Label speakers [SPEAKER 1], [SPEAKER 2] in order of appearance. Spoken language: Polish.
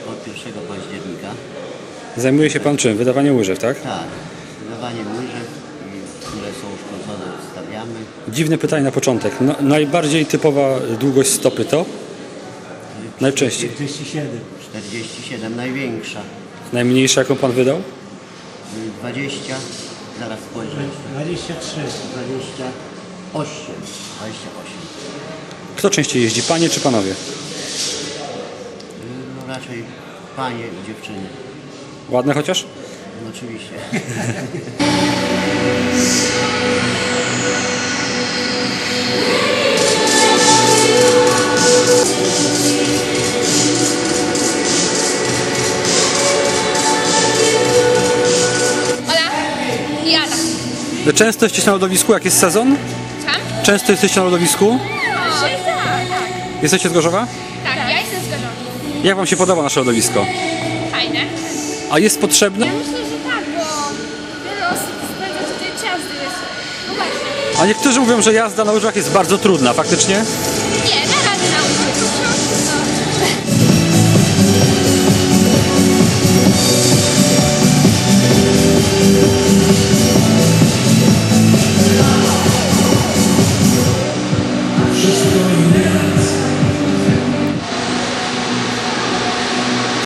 [SPEAKER 1] od 1 października.
[SPEAKER 2] Zajmuje się pan czym? Wydawaniem łyżew, tak?
[SPEAKER 1] Tak, wydawanie łyżew, które są uszkodzone, wstawiamy.
[SPEAKER 2] Dziwne pytanie na początek. No, najbardziej typowa długość stopy to? Najczęściej.
[SPEAKER 3] 47.
[SPEAKER 1] 47, największa.
[SPEAKER 2] Najmniejsza, jaką pan wydał?
[SPEAKER 1] 20, zaraz spojrzę.
[SPEAKER 3] 23.
[SPEAKER 1] 28.
[SPEAKER 2] Kto częściej jeździ, panie czy panowie?
[SPEAKER 1] No raczej panie i dziewczyny.
[SPEAKER 2] Ładne chociaż?
[SPEAKER 1] No oczywiście.
[SPEAKER 4] Hola, Jada.
[SPEAKER 2] Często jesteście na lodowisku, jak jest sezon?
[SPEAKER 4] Tam?
[SPEAKER 2] Często jesteście na lodowisku?
[SPEAKER 4] Tak,
[SPEAKER 2] Jesteście z Gorzowa?
[SPEAKER 4] tak, ja jestem z Gorzowa.
[SPEAKER 2] Jak wam się podoba nasze lodowisko?
[SPEAKER 4] Fajne.
[SPEAKER 2] A jest potrzebne?
[SPEAKER 4] Ja myślę, że tak, bo wiele osób spędza tutaj czas, gdy jest... No właśnie.
[SPEAKER 2] A niektórzy mówią, że jazda na łyżwach jest bardzo trudna, faktycznie?